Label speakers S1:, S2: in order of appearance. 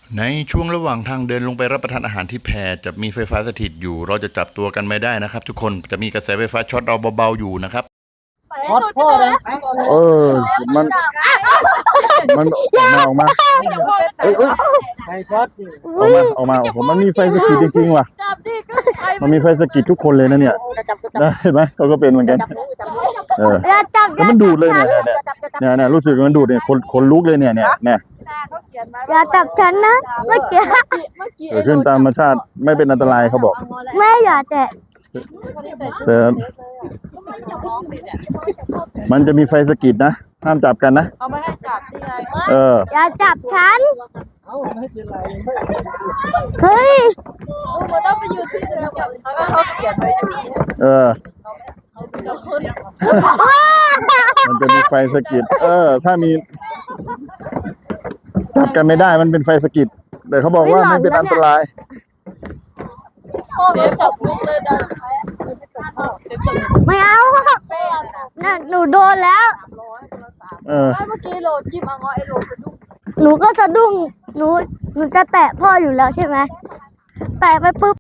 S1: ในช่วงระหว่างทางเดินลงไปรับประทานอาหารที่แพจะมีไฟฟ้าสถิตอยู่เราจะจับตัวกันไม่ได้นะครับทุกคนจะมีกระแสไฟฟ้าช็อตเราเบาๆอยู่นะครับ
S2: ฮอตพ่อเลย
S3: เออมันออกมาเอ้ย
S2: ไฟช็อต
S3: ออกมาโอ้โหมันมีไฟสกิดจริงๆว่ะมันมีไฟสกิดทุกคนเลยนะเนี่ยได้เห็นไหมเขาก็เป็นเหมือนกันแล้วมันดูดเลยเนี่ยรู้สึกมันดูดเนี่ยคนลุกเลยเนี่ย
S4: อย่าจับฉันนะเมื่อกี้
S3: เกิดขึ้นตามธรรมชาติไม่เป็นอันตรายเขาบอก
S4: แม่อย่าแตะ
S3: แต่มันจะมีไฟสกิดนะห้ามจับกันนะ
S5: เอาไม่ให้จับที่ไง
S4: อย่าจับฉัน
S2: ไม่เป็นไร
S4: เฮ้ย
S5: มันต้องไปยืนที่เดิมเขาเขียนไว้
S3: มันจะมีไฟสกิดถ้ามีจับกันไม่ได้มันเป็นไฟสกิดแต่เขาบอกว่าไม่เป็นอันตราย
S5: เดี๋ยวจับลูกเลยได้
S4: ไม่เอาน่ะหนูโดนแล้ว
S5: เมื่อกี้โลจิ้มเอาง้อไอโลสะดุ้ง
S4: หนูก็สะดุ้งหนูจะแตะพ่ออยู่แล้วใช่ไหมแตะไปปุ๊บ